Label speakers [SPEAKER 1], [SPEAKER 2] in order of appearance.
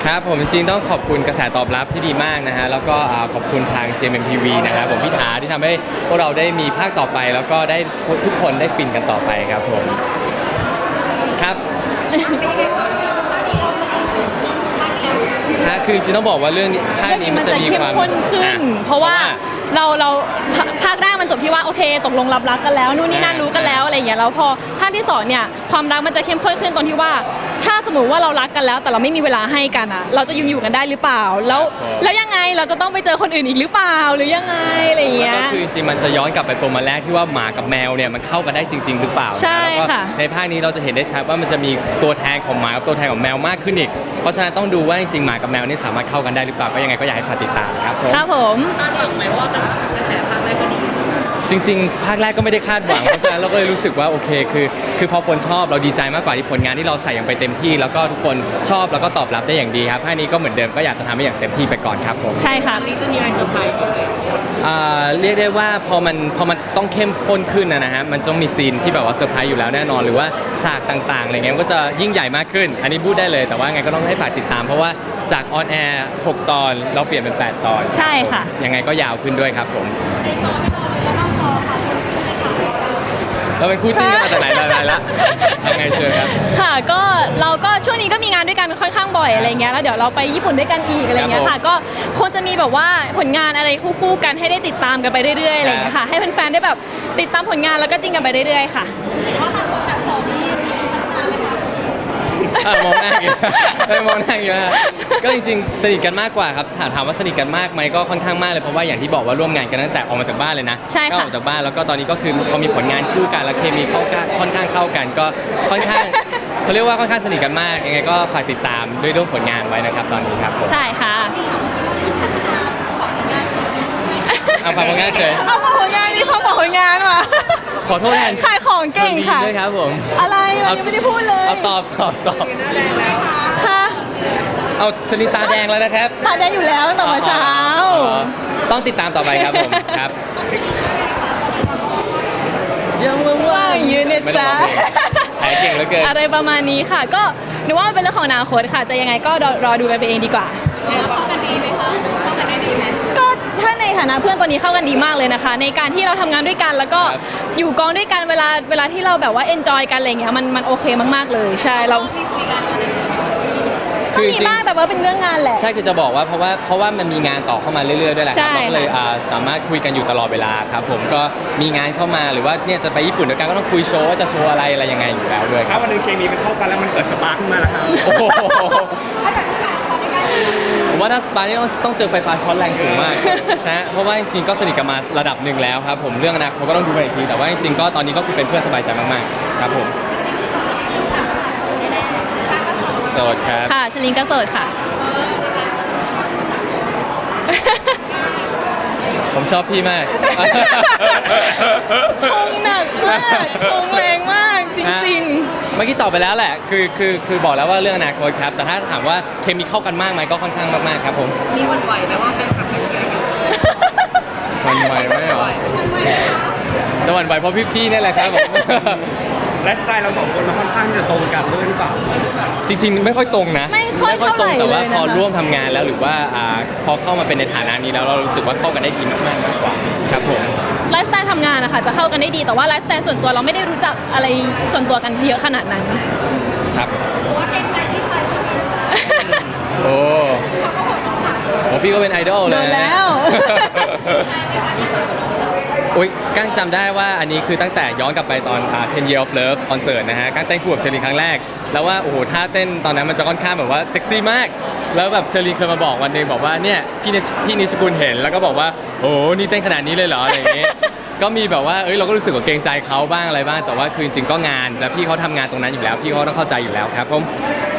[SPEAKER 1] ครับผมจริงๆต้องขอบคุณกระแสตอบรับที่ดีมากนะฮะแล้วก็ขอบคุณทาง JMTV นะครับผมพี่ถาที่ทำให้พวกเราได้มีภาคต่อไปแล้วก็ได้ทุกคนได้ฟินกันต่อไปครับผมครับคือจริงๆต้องบอกว่าเรื่องภาคนี้มันจะมีความ
[SPEAKER 2] เข้มข้นขึ้นเพราะว่าเราภาคแรกมันจบที่ว่าโอเคตกลงรับรักกันแล้วนู่นนี่นั่นรู้กันแล้วอะไรอย่างเงี้ยแล้วพอภาคที่สองเนี่ยความรักมันจะเข้มข้นขึ้นตรงที่ว่าถ้าสมมติว่าเรารักกันแล้วแต่เราไม่มีเวลาให้กันอ่ะเราจะอยู่กันได้หรือเปล่าแล้วยังไงเราจะต้องไปเจอคนอื่นอีกหรือเปล่าหรือยังไงอะไรอย่างเงี้ย
[SPEAKER 1] ก็คือจริงๆมันจะย้อนกลับไปปมมาแรกที่ว่าหมากับแมวเนี่ยมันเข้ากันได้จริงๆหรือเปล่า
[SPEAKER 2] ใช่ค่ะ
[SPEAKER 1] ในภาคนี้เราจะเห็นได้ชัดว่ามันจะมีตัวแทนของหมากับตัวแทนของแมวมากขึ้นอีกเพราะฉะนั้นต้องดูว่าจริงๆหมากับแมวนี่สามารถเข้ากันได้หรือเปล่าก็ยังไงก็อยากให้ฝากติดตามครับผม
[SPEAKER 2] ครับผม
[SPEAKER 3] คาดหวังไหมว่ากระแสภาคแรกก็ดี
[SPEAKER 1] จริงๆภาคแรกก็ไม่ได้คาดหวังเพราะฉะนั้นเราก็เลยรู้สึกว่าโอเคคือพอคนชอบเราดีใจมากกว่าที่ผลงานที่เราใส่อย่างไปเต็มที่แล้วก็ทุกคนชอบแล้วก็ตอบรับได้อย่างดีครับภาคนี้ก็เหมือนเดิมก็อยากจะทำให้อย่างเต็มที่ไปก่อนครับผม
[SPEAKER 2] ใช่ค่ะ
[SPEAKER 3] นี้จะมีอะไรเซอร์ไพรส์ไหม
[SPEAKER 1] เรียกได้ว่าพอมันต้องเข้มข้นขึ้นนะฮะมันต้องมีซีนที่แบบว่าเซอร์ไพรส์อยู่แล้วแน่นอนหรือว่าฉากต่างๆอะไรเงี้ยมันก็จะยิ่งใหญ่มากขึ้นอันนี้พูดได้เลยแต่ว่าไงก็ต้องให้ฝากติดตามเพราะว่าจากออนแอร์6 ตอนเราเปลี่ยนเป็น8 ตอน
[SPEAKER 2] ใช่ค่ะ
[SPEAKER 1] ยังไงก็ยาวขึ้นด้วยครับผมในจอไม่รอเลยแล้วนอกจอค่ะเราเป็นคู่จิ้นกันมาแต่ไหนแต่ไรละยังไงเชิญครับ
[SPEAKER 2] ค่ะก็เราก็ช่วงนี้ก็มีงานด้วยกันค่อนข้างบ่อยอะไรเงี้ยแล้วเดี๋ยวเราไปญี่ปุ่นด้วยกันอีกอะไรเงี้ยค่ะก็คงจะมีแบบว่าผลงานอะไรคู่ๆกันให้ได้ติดตามกันไปเรื่อยๆอะไรเงี้ยค่ะให้แฟนๆได้แบบติดตามผลงานแล้วก็จิ้นกันไปเรื่อยๆค่ะ
[SPEAKER 4] เห็นว่าต่างคนต่างสอนนี่มีพัฒนาไหมคะ
[SPEAKER 1] มองหน้าอยู่มองหน้าอยู่ฮะก็จริงๆสนิทกันมากกว่าครับถามว่าสนิทกันมากไหมก็ค่อนข้างมากเลยเพราะว่าอย่างที่บอกว่าร่วมงานกันตั้งแต่ออกมาจากบ้านเลยนะ
[SPEAKER 2] ใช่ค่ะ
[SPEAKER 1] ออกจากบ้านแล้วก็ตอนนี้ก็คือพอมีผลงานคู่กันแล้วเคมีค่อนข้างเข้ากันก็ค่อนข้างเขาเรียกว่าค่อนข้างสนิทกันมากยังไงก็ฝากติดตามด้วยเรื่องผลงานไว้นะครับตอนนี้ครับ
[SPEAKER 2] ใช่ค่ะ
[SPEAKER 1] เอาฝากผลงานเฉย
[SPEAKER 2] เอาฝากผลงานนี่เขาบอกผลงานว่ะ
[SPEAKER 1] ขอโทษแทน
[SPEAKER 2] ขายของเก่งค่ะ
[SPEAKER 1] ด้วยครับผม
[SPEAKER 2] อะไรเรายังไม่ได้พูดเลย
[SPEAKER 1] เอาตอบ
[SPEAKER 2] ค่ะ
[SPEAKER 1] เอาชลิตาแดงแล้วนะครับ
[SPEAKER 2] ตาแดงอยู่แล้วตั้งแต่เช้า
[SPEAKER 1] ต้องติดตามต่อไปครับผมครับ
[SPEAKER 2] ยังว่างๆยืนเนี่ยจ้า
[SPEAKER 1] หายเก่งเหลือเกิน
[SPEAKER 2] อะไรประมาณนี้ค่ะก็หนูว่ามันเป็นเรื่องของอนาคตค่ะจะยังไงก็รอดูกันไปเองดีกว่า
[SPEAKER 4] เข้ากันดีไหมคะเข้ากันได้ดีไหม
[SPEAKER 2] ก็ถ้าในฐานะเพื่อนตอนนี้เข้ากันดีมากเลยนะคะในการที่เราทำงานด้วยกันแล้วก็อยู่กองด้วยกันเวลาที่เราแบบว่าเอนจอยกันอะไรเงี้ยมันโอเคมากๆเลยใช่เราก็มีบ้างแต่ว่าเป็นเรื่องงานแหละ
[SPEAKER 1] ใช่คือจะบอกว่าเพราะว่ามันมีงานต่อเข้ามาเรื่อยๆด้วยแหละครับก็เลยสามารถคุยกันอยู่ตลอดเวลาครับผมก็มีงานเข้ามาหรือว่าเนี่ยจะไปญี่ปุ่นด้วยกันก็ต้องคุยโชว์ว่าจะโชว์อะไรยังไงอยู่แล้วด้วยครั
[SPEAKER 5] บถ้าวันนึงเคมีมันเข้ากันแล้วมันเกิดสปาร์คขึ้นมาแล้วครับ
[SPEAKER 1] ผมว่าถ้าสปาร์คนี่ต้องเจอไฟฟ้าช็อตแรงสูงมากนะเพราะว่าจริงๆก็สนิทกันมาระดับหนึ่งแล้วครับผมเรื่องอนาคตก็ต้องดูกันอีกทีแต่ว่าจริงๆก็ตอนนี้ก็คือเป็นเพื่อนสบายใจมากๆครับผมโสดครับ
[SPEAKER 2] ค่ะชลินก็โสดค่ะ
[SPEAKER 1] ผมชอบพี่มาก
[SPEAKER 2] ชงหนักมากชงแรงมากจริง
[SPEAKER 1] ๆเมื่อกี้ตอบไปแล้วแหละคือบอกแล้วว่าเรื่องอนาคตครับแต่ถ้าถามว่าเคมีเข้ากันมากไหมก็ค่อนข้างมากๆครับผม
[SPEAKER 3] มีวันไหวไหมว่าแฟนคลับไม่เชียร์อยู่
[SPEAKER 1] วันไหวไหมหรอจะวันไหวเพราะพี่ๆนี่แหละครับผม
[SPEAKER 5] ไลฟ์สไตล์เรา2 คนมันค่อนข้างจะตรงกันด้วยหรือเปล่า
[SPEAKER 1] จริงๆไม่ค่อยตรงนะ
[SPEAKER 2] ไม่ค่อยตรง
[SPEAKER 1] แต่ว่าพอร่วมทำงานแล้วหรือว่าพอเข้ามาเป็นในฐานะนี้แล้วเรารู้สึกว่าเข้ากันได้ดีมากๆกว่าครับผม
[SPEAKER 2] ไลฟ์สไตล์ทำงานนะคะจะเข้ากันได้ดีแต่ว่าไลฟ์สไตล์ส่วนตัวเราไม่ได้รู้จักอะไรส่วนตัวกันเยอะขนาดนั้น
[SPEAKER 1] ครับ
[SPEAKER 4] หรือว่าเกรงใจพี่ชายชลิน
[SPEAKER 1] โอ้พี่ก็เป็นไอดอลเลย
[SPEAKER 2] แล้ว
[SPEAKER 1] อุ้ยกั้งจำได้ว่าอันนี้คือตั้งแต่ย้อนกลับไปตอน10 Years of Love คอนเสิร์ตนะฮะกั้งเต้นคู่กับเชอรีนครั้งแรกแล้วว่าโอ้โหท่าเต้นตอนนั้นมันจะค่อนข้างแบบว่าเซ็กซี่มากแล้วแบบเชอรีนเคยมาบอกวันนึงบอกว่าเนี่ยพี่นิชกุลเห็นแล้วก็บอกว่าโอ้นี่เต้นขนาดนี้เลยเหรออะไรอย่างเงี้ยก็มีแบบว่าเราก็รู้สึกว่าเกรงใจเขาบ้างอะไรบ้างแต่ว่าคือจริงๆก็งานแล้วพี่เขาทำงานตรงนั้นอยู่แล้วพี่เขาต้องเข้าใจอยู่แล้วครับผม